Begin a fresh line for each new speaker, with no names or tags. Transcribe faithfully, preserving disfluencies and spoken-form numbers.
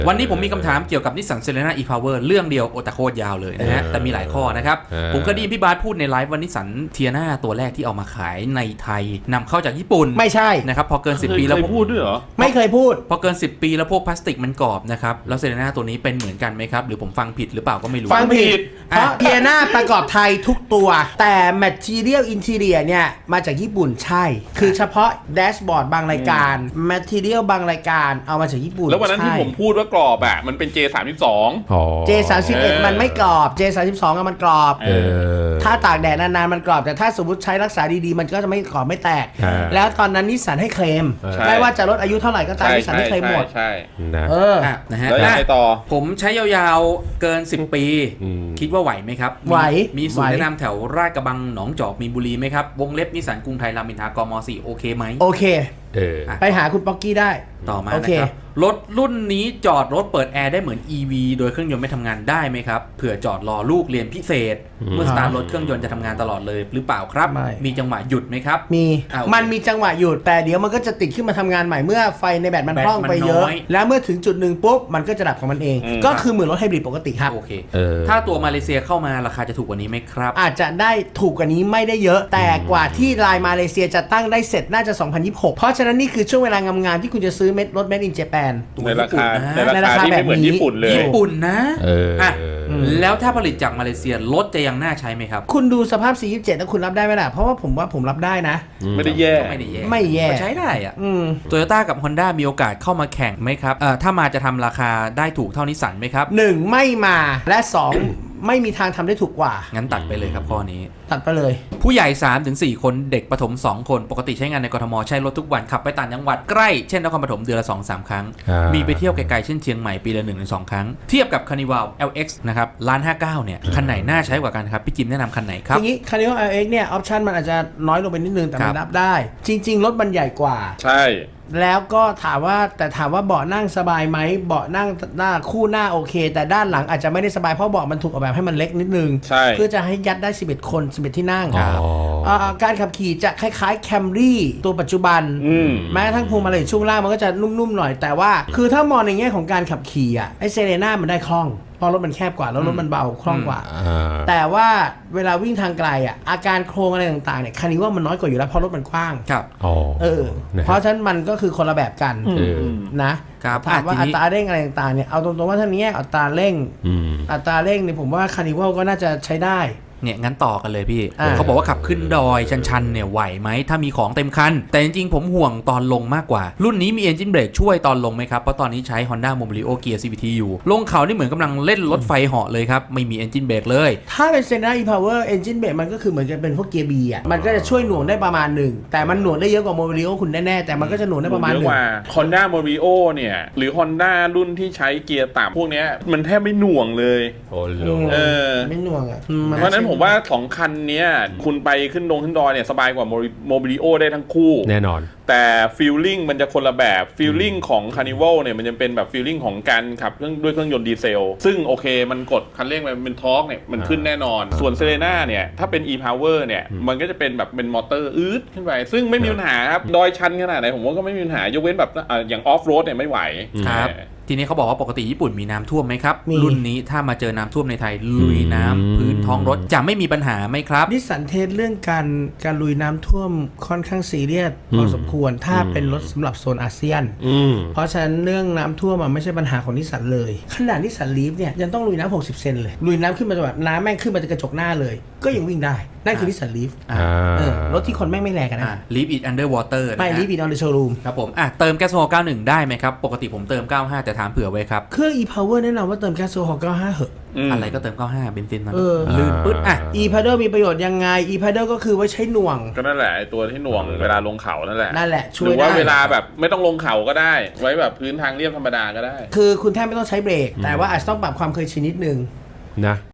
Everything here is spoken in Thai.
วันนี้ผมมีคำถามเกี่ยวกับนิสสันเซเลน่า e-power เรื่องเดียวโอตาโคตรยาวเลยนะฮะแต่มีหลายข้อนะครับผมก็ได้ยินพี่บาสพูดในไลฟ์ว่านิสสันเทียนาตัวแรกที่เอามาขายในไทยนำเข้าจากญี่ปุ่น
ไม่ใช่
นะครับพอเกินสิบปีแล้ว
พูดด้วยเหรอ
ไม่เคยพูด
พอเกินสิบปีแล้วพวกพลาสติกมันกรอบนะครับแล้วเซเลน่าตัวนี้เป็นเหมือนกันไหมครับหรือผมฟังผิดหรือเปล่าก็ไม่รู้
ฟังผิดเพราะเทียนาประกอบไทยทุกตัวแต่ material interior เนี่ยมาจากญี่ปุ่นใช่คือเฉพาะแดชบอร์ดบางรายการ material บางรายการเอามาจากญี่ปุ่น
แล้ววันนั้นที่ผมพูดว่ากรอบอ่ะมันเป็น เจ สามสิบสอง
เจ สามสิบเอ็ด มันไม่กรอบ เจ สามสิบสองมันกรอบถ้าตากแดดนานๆมันกรอบแต่ถ้าสมมติใช้รักษาดีๆมันก็จะไม่กรอบไม่แตกแล้วตอนนั้นนิสสันให้เคลมไม่ว่าจะลดอายุเท่าไหร่ก็ตามนิสสันให้เคลมหมด
ใช่
เออ
นะฮะ
แล้วไปต่อ
ผมใช้ยาวๆเกินสิบปีคิดว่าไหวไหมครับ
ไหว
มีศูนย์แนะนำแถวราชกระบังหนองจอกมีบุรีไหมครับวงเล็บนิสสันกรุงไทยรามอินทรากม.สี่โอเคไหม
โอเคไปหาคุณป๊อกกี้ได้
ต่อมานะครับรถรุ่นนี้จอดรถเปิดแอร์ได้เหมือน อี วี โดยเครื่องยนต์ไม่ทำงานได้ไหมครับเผื่อจอดรอลูกเรียนพิเศษเมื่อสตาร์ทรถเครื่องยนต์จะทำงานตลอดเลยหรือเปล่าครับมีจังหวะหยุดไหมครับ
มีมันมีจังหวะหยุดแต่เดี๋ยวมันก็จะติดขึ้นมาทำงานใหม่เมื่อไฟในแบตมันพร่องไปเยอะแล้วเมื่อถึงจุดหนึ่งปุ๊บมันก็จะดับของมันเองก็คือเหมือนรถไฮบริดปกติครับ
โอเคถ้าตัวมาเลเซียเข้ามาราคาจะถูกกว่านี้ไหมครับ
อาจจะได้ถูกกว่านี้ไม่ได้เยอะแต่กว่าที่ไลน์มาเลเซียจะตั้งได้เสร็จน่าจะสองพันยี่สิบหกเพราะฉะนั้นนี่คือช่วงเวลางามๆที่คุณจะซื้อเม็ดรถ Made in Japan
ในราคาในราคาที่ไม่เหมือนญี่ปุ่นเลย
ญี่ปุ่นนะอ่ะแล้วถ้าผลิตจากมาเลเซียรถจะยังน่าใช้ไหมครับ
คุณดูสภาพ สี่ยี่สิบเจ็ด แล้วคุณรับได้ไหมล่ะเพราะว่าผมว่าผมรับได้นะ
ไม่ได้แย่
ไม่ได้แย่
ไม่แย่
ใช้ได้อ่ะโตโยต้ากับ Honda มีโอกาสเข้ามาแข่งไหมครับเอ่อถ้ามาจะทำราคาได้ถูกเท่านิสสันไหมครับ
หนึ่งไม่มาและสองไม่มีทางทำได้ถูกกว่า
งั้นตัดไปเลยครับข้อนี้
ตัดไปเลย
ผู้ใหญ่ สามถึงสี่ คนเด็กประถมสองคนปกติใช้งานในกทมใช้รถทุกวันขับไปต่างจังหวัดใกล้เช่นนครปฐมเดือนละ สองถึงสาม ครั้งมีไปเที่ยวไกลๆเช่นเชียงใหม่ปีละ หนึ่งถึงสอง ครั้งเทียบกับ Carnival แอล เอ็กซ์ นะครับล้านห้าเก้าเนี่ยคันไหนน่าใช้กว่ากันครับพี่จิมแนะนำคันไหนครับ
ทีนี้ Carnival แอล เอ็กซ์ เนี่ยออปชั่นมันอาจจะน้อยลงไปนิดนึงแต่มันรับได้จริงๆรถมันใหญ่กว่า
ใช่
แล้วก็ถามว่าแต่ถามว่าเบาะนั่งสบายไหมเบาะนั่งหน้าคู่หน้าโอเคแต่ด้านหลังอาจจะไม่ได้สบายเพราะเบาะมันถูกออกแบบให้มันเล็กนิดนึงเพื่อจะให้ยัดได้สิบเอ็ดคนสิบเอ็ดที่นั่งการขับขี่จะคล้ายๆ Camry ตัวปัจจุบันแม้ทั้งพวงมาลัยช่วงล่างมันก็จะนุ่มๆหน่อยแต่ว่าคือถ้ามองในแง่ของการขับขี่อ่ะไอเซเลน่ามันได้คล่องเพราะรถมันแคบกว่าแล้วรถมันเบาคล่องกว่าแต่ว่าเวลาวิ่งทางไกลอ่ะอาการโครงอะไรต่างๆเนี่ยคันนี้ว่ามันน้อยกว่าอยู่แล้วเพราะรถมันกว้าง
ครับ
เออเพราะฉะนั้นมันก็คือคนละแบบกันนะถามว่าอัตราเร่งอะไรต่างๆเนี่ยเอาตรงๆว่าถ้านี้อัตราเร่งอัตราเร่งเนี่ยผมว่าคาร์นิวัลก็น่าจะใช้ได้
เนี่ยงั้นต่อกันเลยพี่เขาบอกว่าขับขึ้นดอยชันๆเนี่ยไหวไหมถ้ามีของเต็มคันแต่จริงๆผมห่วงตอนลงมากกว่ารุ่นนี้มี Engine Brake ช่วยตอนลงไหมครับเพราะตอนนี้ใช้ Honda Mobilio Gear ซี วี ที อยู่ลงเขานี่เหมือนกำลังเล่นรถไฟเหาะเลยครับไม่มี Engine Brake เลย
ถ้าเป็น Senna e-Power Engine Brake มันก็คือเหมือนจะเป็นพวกเกียร์ B อ่ะมันก็จะช่วยหน่วงได้ประมาณหนึ่งแต่มันหน่วงได้เยอะกว่า Mobilio คุณแน่ๆแต่มันก็จะหน่วงได้ประมาณหนึ่ง
Honda Mobilio เนี่ยหรือ Honda รุ่นที่ใช้เกียร์ต่ำพวกนี้มันแทบไม่หน่วงเลย
โอ้โหเออไม่หน่วงอ่ะ
เพราะนั้นผมว่าสองคันเนี้ยคุณไปขึ้นดงขึ้นดอยเนี่ยสบายกว่าโมบิลิโอได้ทั้งคู่
แน่นอน
แต่ฟีลลิ่งมันจะคนละแบบฟีลลิ่งของ Carnival เนี่ยมันจะเป็นแบบฟีลลิ่งของการขับเครื่องด้วยเครื่องยนต์ดีเซลซึ่งโอเคมันกดคันเร่งมันเป็นทอร์กเนี่ยมันขึ้นแน่นอนส่วน Serena เนี่ยถ้าเป็น e-power เนี่ยมันก็จะเป็นแบบเป็นมอเตอร์อืดขึ้นไปซึ่งไม่มีปัญหาครับดอยชันขนาดไหนผมว่าก็ไม่มีปัญหายกเว้นแบบอย่างออฟโรดเนี่ยไม่ไหว
ครับทีนี้เขาบอกว่าปกติญี่ปุ่นมีน้ำท่วมไหมครับรุ่นนี้ถ้ามาเจอน้ำท่วมในไทยลุยน้ำพื้นท้องรถจะไม่มีปัญหาไหมครับ
นิสสันเทสเรื่องการการลุยน้ำท่วมค่อนข้างซีเรียสพอสมควรถ้าเป็นรถสำหรับโซนอาเซียนเพราะฉะนั้นเรื่องน้ำท่วมมันไม่ใช่ปัญหาของนิสสันเลยขนาดนิสสันลีฟเนี่ยยังต้องลุยน้ำหกสิบเซนเลยลุยน้ำขึ้นมาแบบน้ำแม่งขึ้นมาจากกระจกหน้าเลยก็ยังวิ่งได้นั่นคือนิสสันลีฟรถที่คนแม่งไม่แรงกันนะ
Leaf it under water
ไม่ Leaf it on the showroom
ครับผมอ่ะเติมแก๊สโซฮอล์เก้าสิบเอ็ดได้ไหมครับปกติผมเติมเก้าสิบห้าแต่ถามเผื่อไว้ครับ
เครื่อง e-power แนะนำว่าเติมแก๊สโซฮอล์เก้าสิบห้าเหอะ
อะไรก็เติมเก้าสิบห้าเบนซินมันลื่นปึ๊ดอ่ะ
e-paddle มีประโยชน์ยังไง e-paddle ก็คือไว้ใช้หน่วง
ก็นั่นแหละไอตัวที่หน่วงเวลาลงเขานั่นแหละ
นั่นแหละช่วย
ได้หรือว่าเวลาแบบไม่ต้องลงเขาก็ได้ไว้แบบพื้นทางเรียบธรรมดาก็ได้
คือคุณแทบไม่ต้องใช้เบรกแต่ว่าอาจจะต้องปรับความเคยชินนิดนึง
นะ